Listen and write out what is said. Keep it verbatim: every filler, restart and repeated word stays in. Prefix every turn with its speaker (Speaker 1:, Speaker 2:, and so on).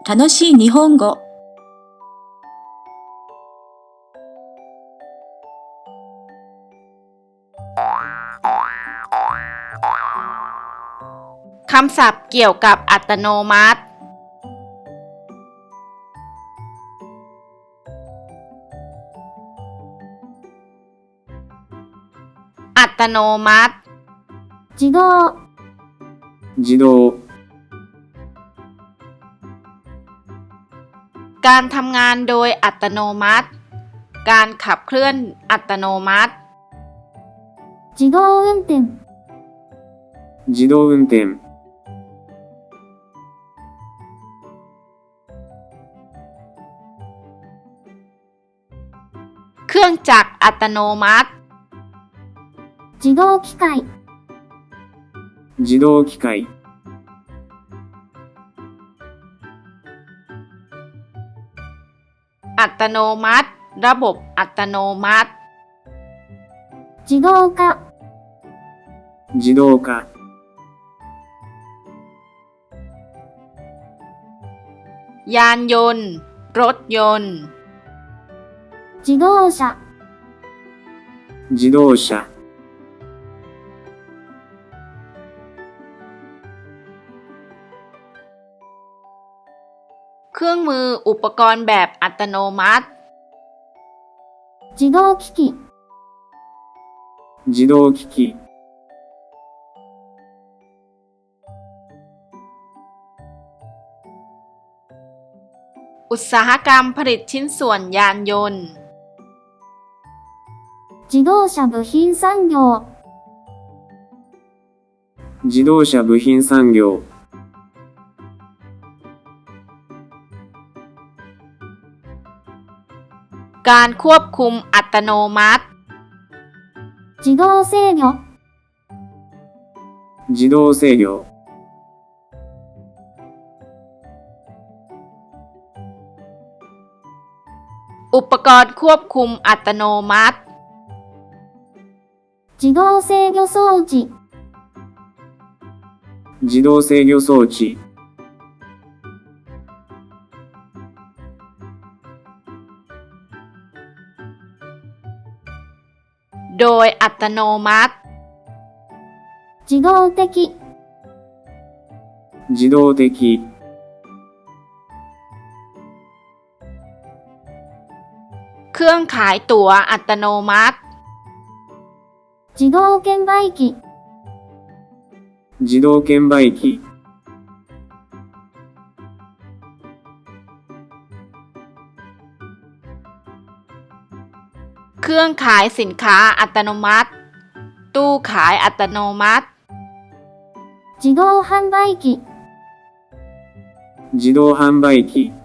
Speaker 1: 楽しい日本語。
Speaker 2: คำศัพท์เกี่ยวกับอัตโนมัติอัตโนมัติ
Speaker 3: 自動
Speaker 4: 自動
Speaker 2: การทำงานโดยอัตโนมัติการขับเคลื่อนอัตโนมัติ
Speaker 3: 自動運転
Speaker 4: 自動運転
Speaker 2: เครื่องจักรอัตโนมัติ
Speaker 3: 自動機械
Speaker 4: 自動機械
Speaker 2: อัตโนมัติระบบอัตโนมัติ
Speaker 3: 自動化
Speaker 4: 自動化
Speaker 2: ยานยนต์รถยนต์
Speaker 3: 自動車
Speaker 4: 自動車
Speaker 2: เครื่องมืออุปกรณ์แบบอัตโนมัติ
Speaker 3: 自動機器
Speaker 4: 自動機器
Speaker 2: อุตสาหกรรมผลิตชิ้นส่วนยานยนต์
Speaker 3: 自動車部品産業
Speaker 4: 自動車部品産業
Speaker 2: การควบคุมอัตโนมัติ
Speaker 3: 自動制御
Speaker 4: 自動制御
Speaker 2: อุปกรณ์ควบคุมอัตโนมัติ
Speaker 3: 自動制御装置
Speaker 4: 自動制御装置
Speaker 2: โดยอัตโนมัติ
Speaker 3: 自動的
Speaker 4: 自動的
Speaker 2: เครื่องขายตั๋วอัตโนมัติ
Speaker 3: 自動券売機
Speaker 4: 自動券売機
Speaker 2: เครื่องขายสินค้าอัตโนมัติตู้ขายอัตโนมัติ
Speaker 3: 自動販売機
Speaker 4: 自動販売機